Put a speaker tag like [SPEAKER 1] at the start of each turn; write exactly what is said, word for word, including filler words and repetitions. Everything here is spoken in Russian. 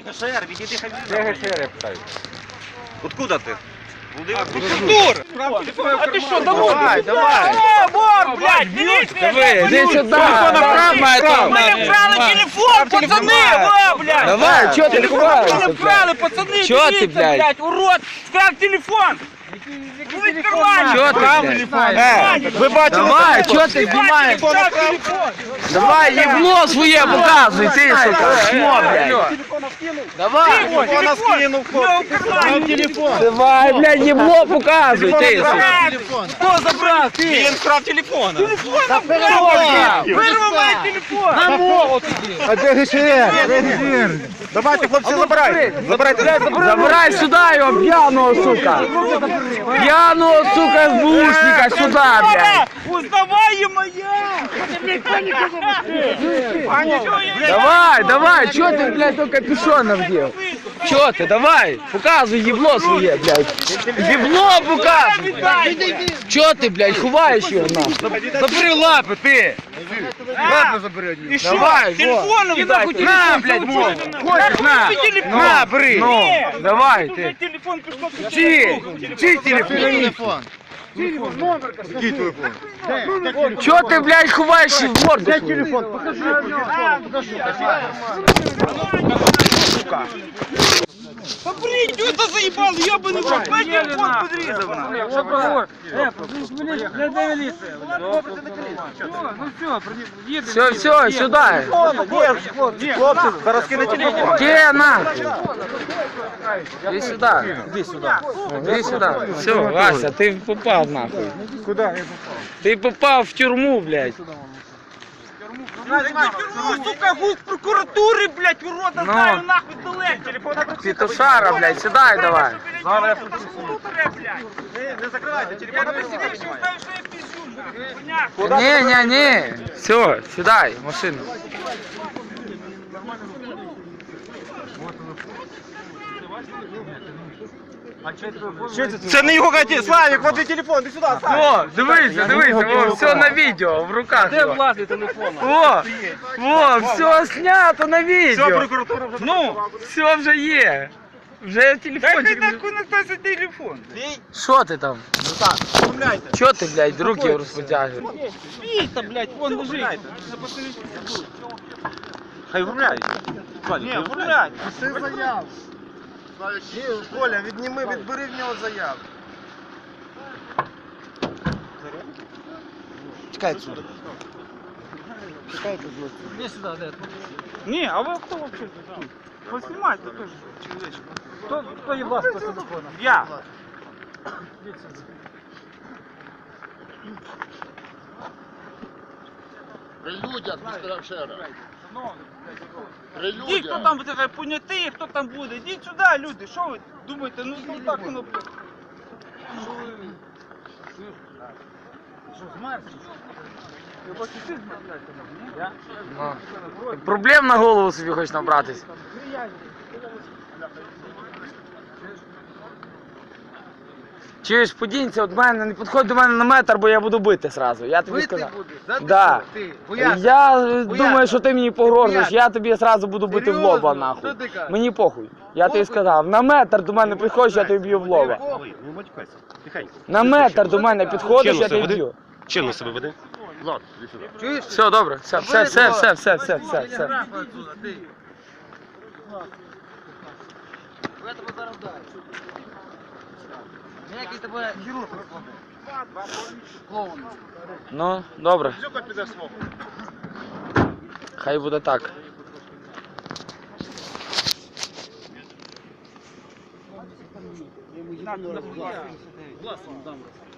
[SPEAKER 1] ГШР, відійди хай.
[SPEAKER 2] Де ГШР, я питаю?
[SPEAKER 1] Откуда ти?
[SPEAKER 3] Дур! А ты что, домой?
[SPEAKER 2] Давай, давай.
[SPEAKER 3] Э, вор, блядь, милиция!
[SPEAKER 2] Давай, иди сюда.
[SPEAKER 3] Мы вкрали телефон, пацаны, во, блядь!
[SPEAKER 2] Давай, чё ты ховаешься,
[SPEAKER 3] Мы вкрали, пацаны,
[SPEAKER 2] Чё ты,
[SPEAKER 3] милиция,
[SPEAKER 2] блядь?
[SPEAKER 3] урод! Вкрал телефон! Вы в кармане!
[SPEAKER 2] Чё ты, блядь? Э,
[SPEAKER 1] Ви бачили?
[SPEAKER 2] Давай, чё ты снимаешь? Давай, ебло своє показуй, ти, сука, шмо, блядь. Давай.
[SPEAKER 1] Телефон скинув, телефон.
[SPEAKER 2] Давай, блядь, ебло показуй, ти, сука.
[SPEAKER 3] Кто забрал? Ты!
[SPEAKER 1] Він вкрав телефон.
[SPEAKER 3] Вырвал мой телефон!
[SPEAKER 2] А де ГШР?
[SPEAKER 1] Давайте, хлопці, забирайте. Забирайте.
[SPEAKER 2] Забирай сюда його, п'яного, сука. П'яного, сука, СБУшника сюда, блядь.
[SPEAKER 3] Узнавай, моя!
[SPEAKER 2] Давай, давай, чё ты, блядь, только капюшон надел? Чё ты, давай, показывай ебло своє, блядь. Ебло показывай. Чё ты, блядь, ховаешь его, нахуй? Забери лапы, ты. Лапы забери.
[SPEAKER 3] И что?
[SPEAKER 2] Давай,
[SPEAKER 3] Телефоном
[SPEAKER 2] вот.
[SPEAKER 3] дай.
[SPEAKER 2] На, блядь, мой. Хочешь, на. На, бери. Ну, давай, ты.
[SPEAKER 3] Телефон пішов.
[SPEAKER 2] Чий? Чий телефон?
[SPEAKER 1] Який телефон?
[SPEAKER 2] Чё ты, блядь, ховаешь в морду свою?
[SPEAKER 3] Попри, что это заебал, ебаный в рот, мой телефон подрезал.
[SPEAKER 2] Все, все, сюда.
[SPEAKER 1] Хлопці, зараз кине телефон.
[SPEAKER 2] Где на? Иди сюда. Иди сюда. Иди сюда. Все, Вася, ты попал нахуй.
[SPEAKER 1] Куди?
[SPEAKER 2] Ты попал в тюрьму, блядь.
[SPEAKER 3] Сука, гусь прокуратури, блядь, урода,
[SPEAKER 2] Ну.
[SPEAKER 3] знаю, нахуй далеко. Телефона
[SPEAKER 2] Петушара, блядь, сюда и давай.
[SPEAKER 3] Зараз я блядь.
[SPEAKER 1] Не закривайте,
[SPEAKER 3] Я
[SPEAKER 1] телефон.
[SPEAKER 3] тебе себе еще знаю, что я пиздю. Понятно.
[SPEAKER 2] Не, не, не. Все, сюда, в машину.
[SPEAKER 1] Це не його каті. Славік, вот і телефон, іди сюди, Славік.
[SPEAKER 2] О, дивися, дивися, о, все на видео, в руках. Де власний телефон? О, о, все снято на
[SPEAKER 1] Все,
[SPEAKER 2] видео.
[SPEAKER 1] прокуратура вже.
[SPEAKER 2] Ну, все вже є. Вже телефончик.
[SPEAKER 3] Дай нахуй на той телефон.
[SPEAKER 2] Що ти там?
[SPEAKER 1] Оформляйте.
[SPEAKER 2] Чо ти, блядь, руки розпотягуєш?
[SPEAKER 3] Спи-то, блядь, вон лежит.
[SPEAKER 1] Хай оформляють.
[SPEAKER 3] Не, оформляй.
[SPEAKER 1] Пиши заяву. Коля, відніми, відбери в нього заяву. Чекай отсюда. Чекай отсюда.
[SPEAKER 3] Иди сюда, да. Не, а вы кто вообще тут? Поснимайте тоже, человечек. Кто, кто ебал с телефона? Я.
[SPEAKER 4] При людях, містер Шера. При
[SPEAKER 3] Иди, кто
[SPEAKER 4] людях.
[SPEAKER 3] там буде понятий, хто там буде. Ідіть сюди, люди, що ви думаєте? Ну, ну так воно, блядь. Що, змерзли? Я бачу, ти змерзляєте, ні?
[SPEAKER 2] Проблем на голову собі хочеш набратись. Чуєш, подінься від мене, не підходь до мене на метр, бо я буду бити зразу. Я тобі сказав. Да. Я думаю, що ти мені погрожуєш, я тобі зразу буду бити в лоба, нахуй. Мені похуй. Я тобі сказав, на метр до мене підходиш, я тобі б'ю в лоба.
[SPEAKER 1] Не матюкайся. Тихай.
[SPEAKER 2] На метр до мене підходиш, я тобі б'ю.
[SPEAKER 1] Чинно себе веди.
[SPEAKER 4] Ладно, іди сюди.
[SPEAKER 2] Все, добре, все, все, все, все, все, все, все, все.
[SPEAKER 3] Я тебе зараз даю. Ніякий тебе хірург клоун.
[SPEAKER 2] Ну, добре.
[SPEAKER 1] Зюка піде свого.
[SPEAKER 2] Хай буде так.
[SPEAKER 3] На, на, власне, дам.